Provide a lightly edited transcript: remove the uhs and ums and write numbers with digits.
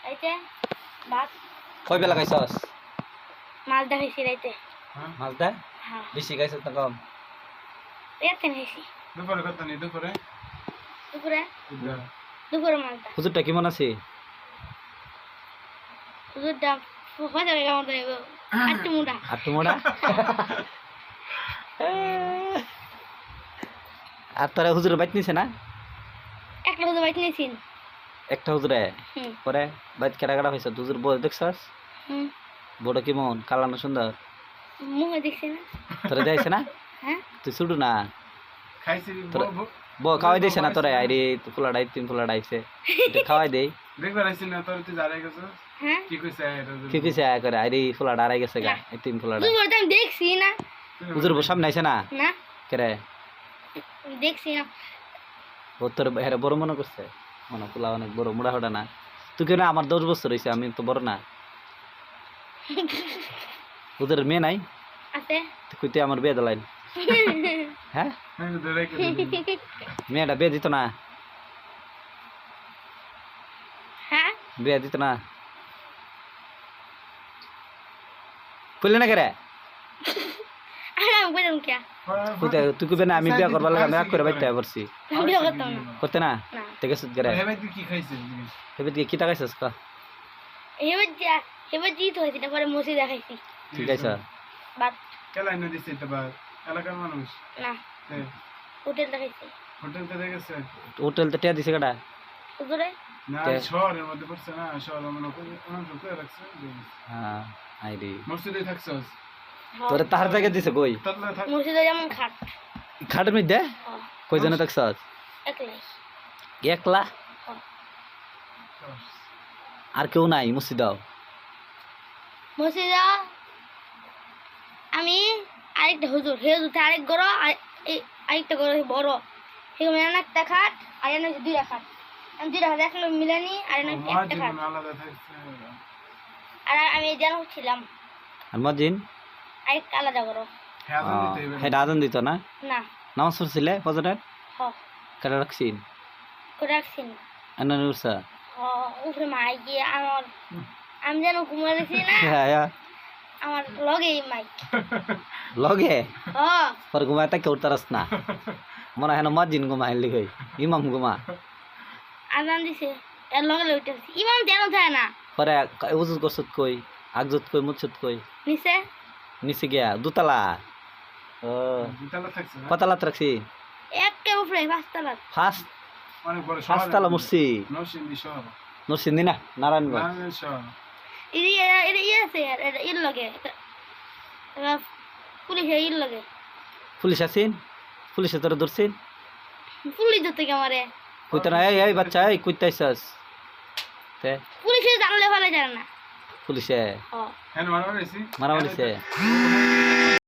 আইতে ভাত কই বেলা খাইছস? মাছ দেখাইছি রাইতে। মাছ দা হ্যাঁ বেশি খাইছস না কম? এতে খাইছি দুপুরে কত নি দুপুরে দুপুরে দুপুরে মাছটা হুজুরটা কেমন আছে? দুধটা হয়ে কেমন দেবো আটটু মুড়া আটটু মোড়া আর তোরা হুজুরের বাইত নিছে না? একটা হুজুর বাইক নিয়েছিন। একটা হুজুরে হুম পরে বাইত কেটা কেটা হয়েছে হুজুর বড় দেখছস? হুম বড় কেমন কালো না সুন্দর? মুখে দেখছি না। তোরা যাইছে না? হ্যাঁ তুই ছুটু না খাইছি খাওয়াই দিয়েছে না তোরা? আইরে ফুলা ডাই তিন ফুলা ডাইছে খাওয়াই দেই দেখবার আইছি না তোর তুই জারাই গেছ হ্যাঁ কি কইছে এটা কি কইছে আয় করে আইরে ফুলা ডারাই গেছে গা এই তিন ফুলা ডাই দুপুরে তো আমি দেখছি না। হুজুর সামনে আইছে না না কেরে দেখছি না। ও তোর হেরে বড় মনে করছে মনে ফুলা অনেক বড় মোড়া হোটা না তুই কেন আমার 10 বছর হয়েছে আমি তো বড় না ওদের মেয়ে নাই আছে তুই কইতে আমার বিয়ে দিলাইন হ্যাঁ আমি ধরে কে মেয়েটা বিয়ে দিত না হ্যাঁ বিয়ে দিত না কইলে না কেরে আরে আমি বললাম কে কইতে তুই কইবে না আমি বিয়ে করবার লাগে আমি রাগ করে বাইতে পারছি বিয়ে করতাম না। করতে না না ঠিক আছে কেরে হেবে তুই কি খাইছিস এবার কি টাকাইছস কা এবার জিত হয়েছে তারপরে মসি দেখাইছি ঠিক আছে বাদ কেলাই না দিছিস তো বা এলাকার মানুষ না হোটেল দেখাইছি হোটেলতে দেখেছে হোটেল তো টিয়া দিছে কাটা হুজুরে না শহরের মধ্যে পড়ছে না শহর মনে করে অনেক করে রাখছে হ্যাঁ আইরে মসজিদে থাকছস তোরে তাহার জায়গা দিছে কই তাতলা থাক মসজিদে যেমন খাট খাটের মধ্যে হ্যাঁ, কই জনে থাকছস একলাই একলা হ্যাঁ। আর কেউ নাই মসজিদাও মসজিদে আমি আরেকটা হুজুর হে হুজুর আরেক গড় আরেকটা গড় বড় সেগুলো একটা খাট আর এনে হচ্ছে দুইটা খাট আমি দুইটা খাট একলো মিলানি আর এনে একটা খাট মসজিদ আলাদা থাকছে আর আমি যেন ছিলাম আর মজিন আরেকটা আলাদা গড় হ্যাঁ দিতে হবে হেটা আজান দিত না না নামাজ পড়ছিলে ফজরের হ কাটা রাখছিন করে রাখছি না আন্না উরসা হ উপরে মাই গিয়ে আমার আমি যেন ঘুমাইছি না হ্যাঁ হ্যাঁ আমার লগেই মাইক লগে হ পর ঘুমায় তাকে উঠতারস না মনে হয় না মজিন ঘুমাই লিখই ইমাম ঘুমা আজান দিছে এর লগে লগে উঠেছি ইমাম যেন থাকে না পরে উজুত করছত কই আগজত কই মুছত কই নিচে নিচে গিয়া দুতলা ও তাতলা থাকছে না কতলাত রাখছি একে উপরে পাঁচতলা ফার্স্ট অনেক বড় শহর পাঁচতলা মুরসি নরসিংদী শহর নরসিংদী না নারায়ণগঞ্জ নারায়ণ শহর এটা ইয়ে আছে এটা ইর লগে পুলিশে ইর লগে পুলিশ আছেন পুলিশে তোরা ধরছেন পুলিশ ধরতে কে আমারে কইতে না এই বাচ্চা এই কইতে আইছস তে পুলিশে জানলে ভালো জানে না পুলিশে হ হ্যাঁ মারা গেছি মারা মারিছে